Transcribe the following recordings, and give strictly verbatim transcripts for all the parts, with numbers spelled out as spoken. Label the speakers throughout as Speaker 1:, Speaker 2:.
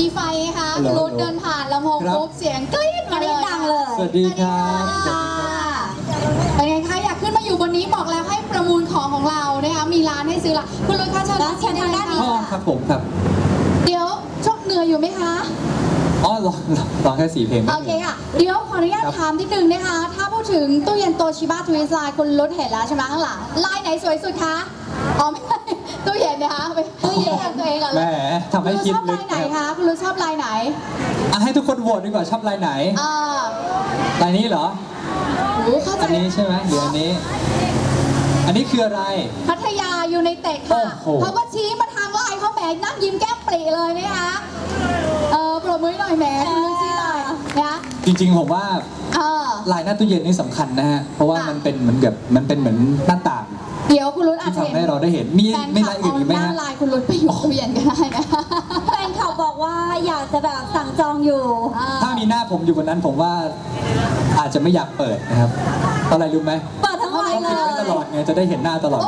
Speaker 1: มีไฟไงคะรถเดินผ่านลำโพงปุ๊บเสียงกรี๊ดมาเลยดังเลย
Speaker 2: สวัสดีครับ
Speaker 1: เป็นไงคะอยากขึ้นมาอยู่บนนี้บอกแล้วให้ประมูลของของเรานะคะมีร้านให้ซื้อละคุณลุงคะเชิญด้านทางด้านนี้
Speaker 2: อ๋อครับผมครับ
Speaker 1: เดี๋ยวชกเหนื่อยอยู่ไหมคะ
Speaker 2: อ๋อลองลองแค่สี่เพลง
Speaker 1: โอเคค่ะเดี๋ยวขออนุญาตถามนิดนึงนะคะถ้าพูดถึงตู้เย็นโตชิบะทวินไลน์คุณรุ้เห็นแล้วใช่ไหมข้างหลังลายไหนสวยสุดคะอ๋อไม่ใช่ตู้เย็นนะคะไปตู้เย็นตัวเองก่อน
Speaker 2: แหม
Speaker 1: เลย
Speaker 2: ทำให้คิด
Speaker 1: คุณรุ้ชอบลายไหนคะคุณรุ้ชอบลายไหน
Speaker 2: อ่ะให้ทุกคนโหวตดีกว่าชอบลายไหน
Speaker 1: อ่า
Speaker 2: ลายนี้เหรอ
Speaker 1: โอ้เข้าใจ
Speaker 2: อันนี้ใช่ไหมหรืออันนี้ อันนี้คืออะไร
Speaker 1: พัทยาอยู่ในเตะค่ะ
Speaker 2: โอ้โห
Speaker 1: เขาก็ชี้มาทางไลน์เขาแหมนั่งยิ้มแก้มปรีเลยนะคะเออปรบมือหน่อยแหมคุณรุ้ชี้เลยนะ
Speaker 2: จริงๆผมว่า
Speaker 1: เออ
Speaker 2: ลายหน้าตู้เย็นนี่สำคัญนะฮะ เพราะว่ามันเป็นเหมือนกับมันเป็นเหมือนหน้าต่าง
Speaker 1: เดี๋ยวคุณรุ้อาจ
Speaker 2: ที่
Speaker 1: จะเห็น
Speaker 2: ทำให้เราได้เห็น มี
Speaker 1: แฟน
Speaker 2: มี
Speaker 1: คลั
Speaker 2: ลา
Speaker 1: บ
Speaker 2: ยอื่นอีกไหม
Speaker 1: เอาห
Speaker 2: ฮะ
Speaker 1: น้าลายคุณรุ้ไปอยู่ตู้เย็นก็ได้นะ
Speaker 3: แฟนเขาบอกว่าอยากจะแบบสั่งจองอยู่
Speaker 2: ถ้ามีหน้าผมอยู่บนนั้นผมว่าอาจจะไม่อยากเปิดนะครับเพราะอะไรรู้ไหม
Speaker 3: เปิดทั้งวัน
Speaker 2: ต้อง
Speaker 3: เล
Speaker 2: ปิดไว้ตลอด
Speaker 3: ย
Speaker 2: ไงจะได้เห็นหน้าตลอด
Speaker 1: โอ้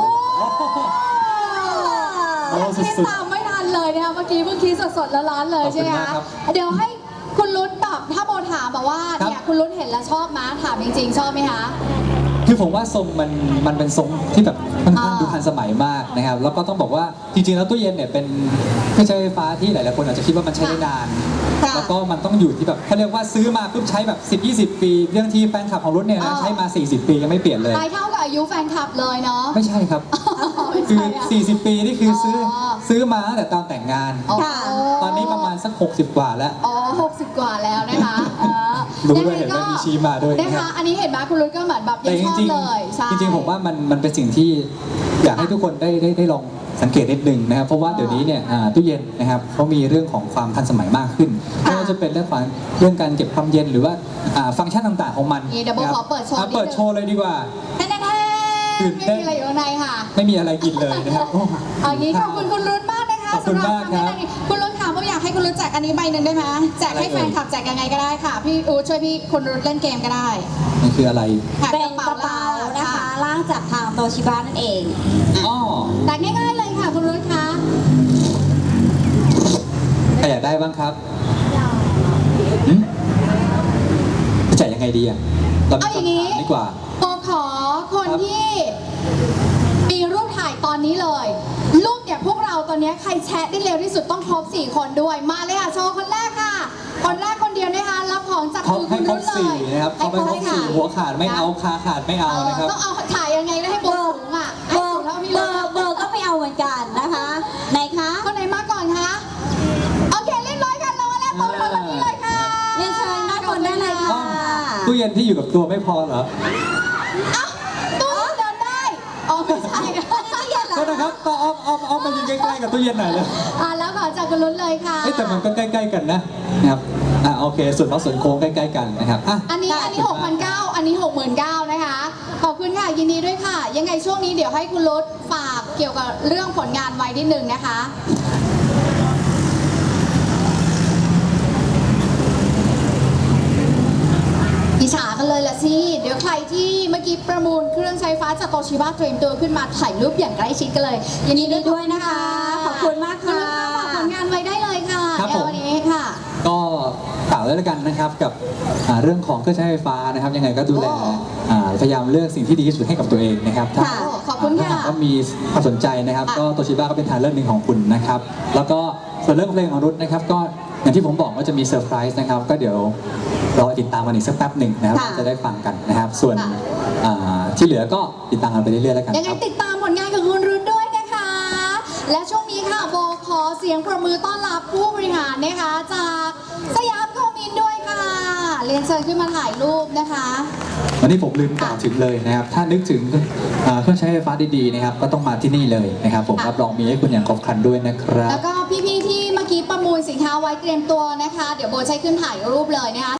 Speaker 2: โอ้
Speaker 1: ยัง
Speaker 2: สุ
Speaker 1: คิด
Speaker 2: ด
Speaker 1: ตามไม่ทันเลยนะคะเมื่อกี้เพิ่งคิดสดๆแล้วร้อนเลย
Speaker 2: ขอบคุ
Speaker 1: ใช่
Speaker 2: ณ
Speaker 1: ไหม
Speaker 2: มาก
Speaker 1: คะ
Speaker 2: ครับ
Speaker 1: เดี๋ยวให้คุณรุ้แบบถ้าโบถามแบบว่า
Speaker 2: ครับ
Speaker 1: เนี่ยคุณรุ้เห็นแล้วชอบมั้ยถามจริงๆชอบไหมคะ
Speaker 2: คือผมว่าทรงมันมันเป็นทรงที่แบบค่อนข้าง
Speaker 1: อ่า
Speaker 2: ดูทันสมัยมากนะครับแล้วก็ต้องบอกว่าจริงๆแล้วตู้เย็นเนี่ยเป็นเครื่องใช้ไฟฟ้าที่หลายๆคนอาจจะคิดว่ามันใช้ได้นาน
Speaker 1: ค่ะ
Speaker 2: แล้วก็มันต้องอยู่ที่แบบเขาเรียกว่าซื้อมาปุ๊บใช้แบบสิบ ยี่สิบ ปีเรื่องที่แฟนคลับของรุ่นเนี่ยนะใช้มา สี่สิบ ปียังไม่เปลี่ยนเลย
Speaker 1: ตายเท่ากับอายุแฟนคลับเลยเนาะ
Speaker 2: ไม่ใช่ครับ
Speaker 1: ไม่
Speaker 2: คือ
Speaker 1: ใช่อะ
Speaker 2: สี่สิบ ปีนี่คือซื้ออ
Speaker 1: อ
Speaker 2: ซื้อมาตั้งแต่ตอนแต่งงาน
Speaker 1: อ๋อ
Speaker 2: ตอนนี้ประมาณสักหกสิบกว่าแล้ว
Speaker 1: อ๋อหกสิบกว่าแล้วนะคะเออ
Speaker 2: รู้ด้วยเห็นว่ามีชี้มาด้วย
Speaker 1: นะ
Speaker 2: นะครับ
Speaker 1: คะอันนี้เห็นไหมคุณรุ้ก็เหมือนแบบยั
Speaker 2: แต่
Speaker 1: ง
Speaker 2: จ
Speaker 1: ชอบ
Speaker 2: ริง
Speaker 1: เลยใช่
Speaker 2: ๆจริงๆผมว่ามันมันเป็นสิ่งที่อยากให้ทุกคนได้ได้ได้ลองสังเกตนิดนึงนะครับเพราะว่าเดี๋ยวนี้เนี่ยอ่าตู้เย็นนะครับเขามีเรื่องของความทันสมัยมากขึ้นไม่ว่าจะเป็นเรื่องของเรื่องการเก็บความเย็นหรือว่าอ่าฟังก์ชันต่างๆของมัน
Speaker 1: นี่เดี๋ยวโบ
Speaker 2: นะครับ
Speaker 1: ขอเปิดโชว์
Speaker 2: อ่ะ
Speaker 1: นิดนึง
Speaker 2: เปิดโชว์เลยดีกว่า
Speaker 1: แน่ๆ
Speaker 2: ตื่น
Speaker 1: ไม่
Speaker 2: เต้น
Speaker 1: มีอะไรอยู่ข้างในค่ะ
Speaker 2: ไม่มีอะไรกินเลยนะครับโอ้
Speaker 1: เอาอย่างนี้ขอบคุณคุณรุ่นมากนะคะ
Speaker 2: ขอบคุณ
Speaker 1: สำหรับ
Speaker 2: มากครับ
Speaker 1: คำแนะนำนี้คุณรุ่นถามว่าอยากให้คุณรุ่นแจกอันนี้ใบหนึ่งได้ไหมแจกให้
Speaker 2: อะไร
Speaker 1: แฟ
Speaker 2: เอ่ย
Speaker 1: นคลับแจกยังไงก็ได้ค่ะพี่อู๊ดช่วยพี่คุณรุ่นเล่นเกมก็ได้
Speaker 2: มันคืออะไร
Speaker 1: ค่ะ
Speaker 3: เป็นกระเป๋านะคะล่างจากทางโตชิบะนั่นเอง
Speaker 2: อ๋อ
Speaker 1: แจกง่ายๆเลยค่ะคุณรุ่นคะ
Speaker 2: ใครอยากได้บ้างครับหืมจะจ่ายยังไงดีอ่ะเรา
Speaker 1: เอาอย่าง
Speaker 2: นี้
Speaker 1: นี้
Speaker 2: ดีกว่า
Speaker 1: โบขอคน
Speaker 2: ครับ
Speaker 1: ที่มีรูปถ่ายตอนนี้เลย รูปเนี่ยพวกเราตอนนี้ใครแชะได้เร็วที่สุดต้องครบสี่คนด้วยมาเลยค่ะโชว์คนแรกค่ะ คนแรกคนเดียวนะคะรับของจาก
Speaker 2: เขา
Speaker 1: มือ
Speaker 2: ให้
Speaker 1: คุณ
Speaker 2: คร
Speaker 1: รุ่
Speaker 2: บ
Speaker 1: นเล
Speaker 2: สี่
Speaker 1: ย
Speaker 2: นะครับเขาไม่ครบสี่หัวขาดไม่เอาขาขาดไม่เอา
Speaker 1: เออ
Speaker 2: นะครับ
Speaker 1: ต้องเอาถ่ายยังไงได้ให้โบสูงอ่ะ
Speaker 3: เบ
Speaker 1: ให้
Speaker 3: อ
Speaker 1: สู
Speaker 3: ร์
Speaker 1: งเท่าพี่
Speaker 3: เบ
Speaker 1: เล
Speaker 3: อย ร์เบอร์ก็ไม่เอาเหมือนกันนะคะไหนคะ
Speaker 1: คนไหนมาก่อนคะโอเคเรียบร้อยค่ะรอแล้วโต๊ะเราแบบนี้เลยค่ะ
Speaker 3: เรียนเชิญด้านบนได้เลยค่ะ
Speaker 2: ตู้เย็นที่อยู่กับตัวไม่พอเหรอ
Speaker 1: เอ้าตู้เดินได้อ๋อไม่ใช่นะ
Speaker 2: ก็นะครับก็เอาเอาเอามายืนใกล้ๆกับตู้เย็นหน่อยเลย
Speaker 1: อ่าแล้วขอจากคุณรุ่นเลยค่ะ
Speaker 2: เอ้ยแต่มันก็ใกล้ๆกันนะนะครับอ่ะโอเคส่วนเขาส่วนโค้งใกล้ๆกันนะครับอ่ะ
Speaker 1: อันนี้อันนี้หกพันเก้าอันนี้หกหมื่นเก้านะคะ ขอบคุณค่ะยินดีด้วยค่ะ ยังไงช่วงนี้เดี๋ยวให้คุณรุดฝากเกี่ยวกับเรื่องผลงานไว้นิดนึงนะคะ อิจฉากันเลยละสิ เดี๋ยวใครที่เมื่อกี้ประมูลเครื่องใช้ไฟฟ้าจากโตชิบะเตรียมตัวขึ้นมาถ่ายรูปอย่างใกล้ชิดกันเลยยินดี
Speaker 3: ยินดีด้วยนะคะ ขอบคุณมาก
Speaker 1: คุณ
Speaker 3: ค่ะ
Speaker 1: รุดฝากผลงานไว้ได้เลยค่ะ
Speaker 2: ครับผม
Speaker 1: เดี๋ยววันนี้ค่ะ
Speaker 2: ก็ฝากไว้แล้วกันนะครับกับอ่าเรื่องของเครื่องใช้ไฟฟ้านะครับ ยังไงก็ดูแล
Speaker 1: โอ้
Speaker 2: อ่าพยายามเลือกสิ่งที่ดีที่สุดให้กับตัวเองนะครับถ้า
Speaker 1: ค่ะขอบคุณค่ะ
Speaker 2: ถ้าหากว่ามีความสนใจนะครับ
Speaker 1: ค่ะ
Speaker 2: ก็โตชิบะก็เป็นทางเลือกหนึ่งของคุณนะครับ แล้วก็ส่วนเรื่องเพลงของรุทนะครับก็อย่างที่ผมบอกว่าจะมีเซอร์ไพรส์นะครับ ก็เดี๋ยวรอติดตามกันอีกสักแป๊บหนึ่งนะครับ
Speaker 3: ค่ะ
Speaker 2: จะได้ฟังกันนะครับ ส่วน
Speaker 1: ค่ะ
Speaker 2: อ่าที่เหลือก็ติดตามกันไปเรื่อยๆแล้วกัน
Speaker 1: ยังไง
Speaker 2: ครับ
Speaker 1: ติดตามผลงานของคุณรุ่นด้วยนะคะ และช่วงนี้ค่ะโบขอเสียงประมือต้อนรับผู้บริหารนะคะ จากสยามโคมินด้วยค่ะ เรียนเชิญขึ้นมาถ่ายรูปนะคะ
Speaker 2: วันนี้ผมลืมกล่าวถึงเลยนะครับ ถ้านึกถึงอ่าเครื่องใช้ไฟฟ้าดีๆนะครับ ก็ต้องมาที่นี่เลยนะครับ ผม
Speaker 1: ค่ะ
Speaker 2: รับรองมีให้คุณอย่างครบครันด้วยนะครับ
Speaker 1: แล้วก็พี่ๆที่เมื่อกี้ประมูลสินค้าไว้เตรียมตัวนะคะ เดี๋ยวโบใช้ขึ้นถ่ายรูปเลยนะคะ